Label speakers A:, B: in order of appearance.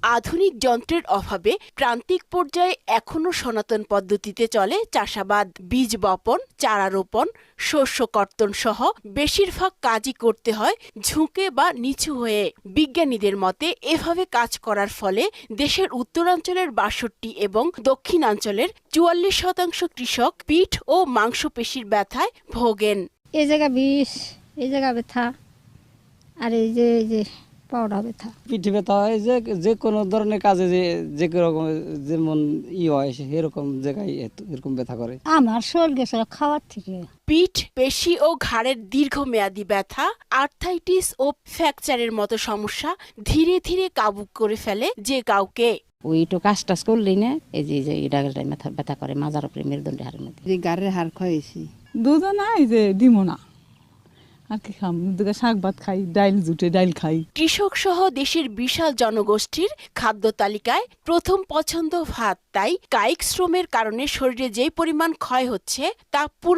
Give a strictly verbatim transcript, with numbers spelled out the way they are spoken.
A: আধুনিক যন্ত্রের অভাবে প্রান্তিক পর্যায়ে এখনো সনাতন পদ্ধতিতে চলে চাষাবাদ। বীজ বপন, চারা রোপণ, শস্য কর্তন সহ বেশিরভাগ কাজই করতে হয় ঝুঁকে বা নিচু হয়ে। বিজ্ঞানীদের মতে এভাবে কাজ করার ফলে দেশের উত্তরাঞ্চলের বাষট্টি এবং দক্ষিণাঞ্চলের চুয়াল্লিশ শতাংশ কৃষক পিঠ ও মাংসপেশির ব্যথায় ভোগেন।
B: এই জায়গা বিষ, এই জায়গা ব্যথা, আর এই যে এই যে পাউডার ব্যথা,
C: পিঠে ব্যথা হয়। যে যে কোনো ধরনের কাজে যে যে রকম যেমন ই হয় সেরকম জায়গায় এরকম ব্যথা করে।
B: আমার শরীর গেছে খাওয়ার থেকে।
A: পিঠ, পেশি ও ঘাড়ের দীর্ঘমেয়াদী ব্যথা, আর্থাইটিস ও ফ্র্যাকচারের মতো সমস্যা ধীরে ধীরে কাবু করে ফেলে যে কাউকে।
D: ওই একটু কাজ টাজ করলেই না এই যে এই ডাগলটাই মাথা ব্যথা করে, মাজার উপরে মেরুদণ্ডে হাড়ের মধ্যে।
E: যে গাড়ির হাড় খাইছি
F: দুধও নাই যে ডিমও না, আর কি খাম, শাক ভাত খাই, ডাইল জুটে ডাইল খাই।
A: কৃষক সহ দেশের বিশাল জনগোষ্ঠীর খাদ্য তালিকায় প্রথম পছন্দ ভাত। তাই কায়িক শ্রমের কারণে শরীরে যে পরিমাণ ক্ষয় হচ্ছে তা পুরো